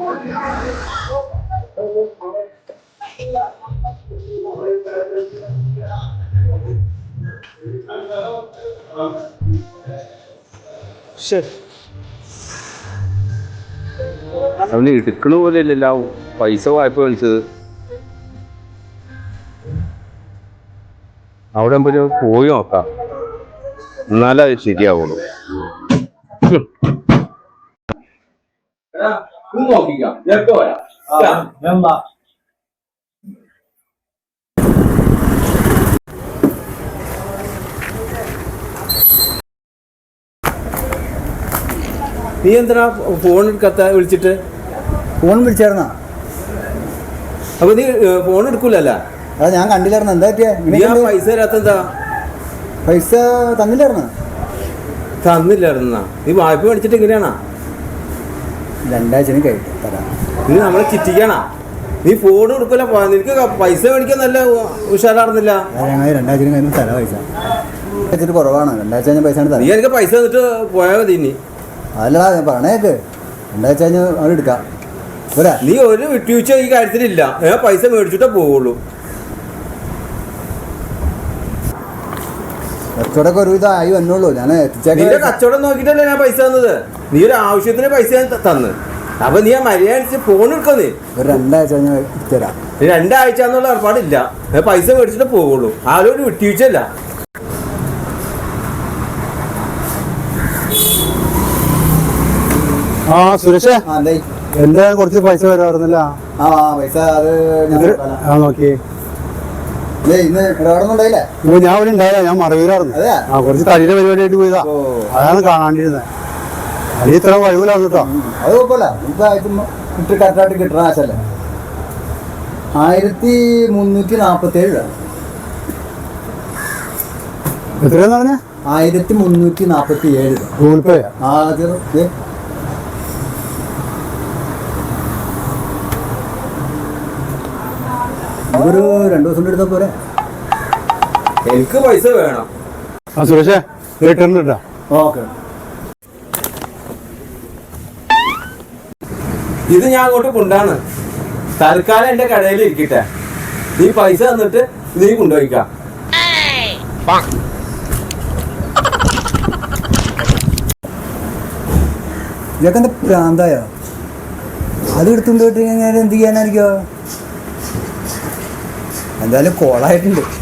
അവന് എടുക്കണ പോലെ ഇല്ലല്ലോ പൈസ വായ്പ വിളിച്ചത്. അവിടെ പോയി നോക്കാം, എന്നാലേ അത് ശരിയാവുള്ളൂ. നീ എന്തിനാ ഫോൺ എടുക്കാത്ത? വിളിച്ചിട്ട് ഫോൺ വിളിച്ചായിരുന്നാ? അപ്പൊ നീ ഫോൺ എടുക്കൂലല്ല? അതാ ഞാൻ കണ്ടില്ലായിരുന്നു. എന്താ പറ്റിയ? പൈസ തരാത്തെന്താ? പൈസ തന്നില്ലായിരുന്ന? തന്നില്ലായിരുന്നാ? നീ വായ്പ മേടിച്ചിട്ട് എങ്ങനെയാണാ? 2 ആഴ്ച കഴിഞ്ഞിട്ട് തരാം. നീ നമ്മളെ ചിറ്റിക്കാണാ? നീ ഫോൺ എടുക്കൂല, നിനക്ക് പൈസ മേടിക്കാൻ നല്ല ഉഷാറായിരുന്നില്ല. ഞങ്ങൾ 2 ആഴ്ച കഴിഞ്ഞ് തരാം പൈസ. വെച്ചിട്ട് കുറവാണ്. 2 ആഴ്ച കഴിഞ്ഞ പൈസ നീ എനിക്ക് പൈസ തന്നിട്ട് പോയാൽ മതി. ഇനി അതല്ലടാ ഞാൻ പറഞ്ഞേക്ക്, 2 ആഴ്ച കഴിഞ്ഞ് അവിടെ എടുക്കാം. പോരാ? നീ ഒരു വിട്ടുവീഴ്ച ഈ കാര്യത്തിലില്ല. ഞാൻ പൈസ മേടിച്ചിട്ടേ പോവുള്ളൂ. കച്ചവടമൊക്കെ ഒരു ഇതായി വന്നുള്ളൂ. ഞാൻ നിന്റെ കച്ചവടം നോക്കിയിട്ടല്ലേ ഞാൻ പൈസ തന്നത്. നീ ഒരു ആവശ്യത്തിന് പൈസ ഞാൻ തന്ന്. അപ്പൊ നീ ആ മര്യാദ ഫോൺ എടുക്കുന്നേ. ഒരു 2 ആഴ്ച കഴിഞ്ഞ് തരാം. 2 ആഴ്ച എന്നുള്ള ഏർപ്പാടില്ല. ഞാൻ പൈസ മേടിച്ചിട്ടേ പോവുള്ളൂ. ആരും ഒരു വിട്ടുവീഴ്ചയല്ല. ആ സുരേഷേ, എന്താ കുറച്ച് പൈസ വരാറുന്നില്ല? ആ പൈസ അത് നോക്കി. ഇന്ന് ഇടപാടൊന്നുണ്ടായില്ലേ? ഞാൻ ഇവിടെ ഉണ്ടായില്ല, ഞാൻ മറവിലായിരുന്നു. കുറച്ച് തടിയുടെ പരിപാടിയായിട്ട് പോയതാ, അതാണ് കാണാണ്ടിരുന്നത്. അത് ഇത്ര കഴിവിലാണ് കേട്ടോ. അത് കുഴപ്പമില്ല, ഇട്ട് കറക്റ്റായിട്ട് കിട്ടണ ആശല്ലേ. 1347 രൂപ. എത്രയാന്ന് പറഞ്ഞ? 1347 രൂപ. Google pay? ഒരു 2 ദിവസം എടുത്താൽ പോരെ? എനിക്ക് പൈസ വേണം. ആ സുരേഷേ, റിട്ടേൺ ഇട്ടാ. ഓക്കെ. ഇത് ഞാൻ അങ്ങോട്ട് കൊണ്ടാണ്. തൽക്കാലം എന്റെ കടയിൽ ഇരിക്കട്ടെ. നീ പൈസ തന്നിട്ട് നീ കൊണ്ടുപോയിക്കാം. ഇതൊക്കെ എന്താ പ്രാന്തായ? അത് എടുത്തുകൊണ്ട് പോയിട്ട് ഞാൻ എന്ത് ചെയ്യാനായിരിക്കോ? എന്തായാലും കോളായിട്ടുണ്ട്.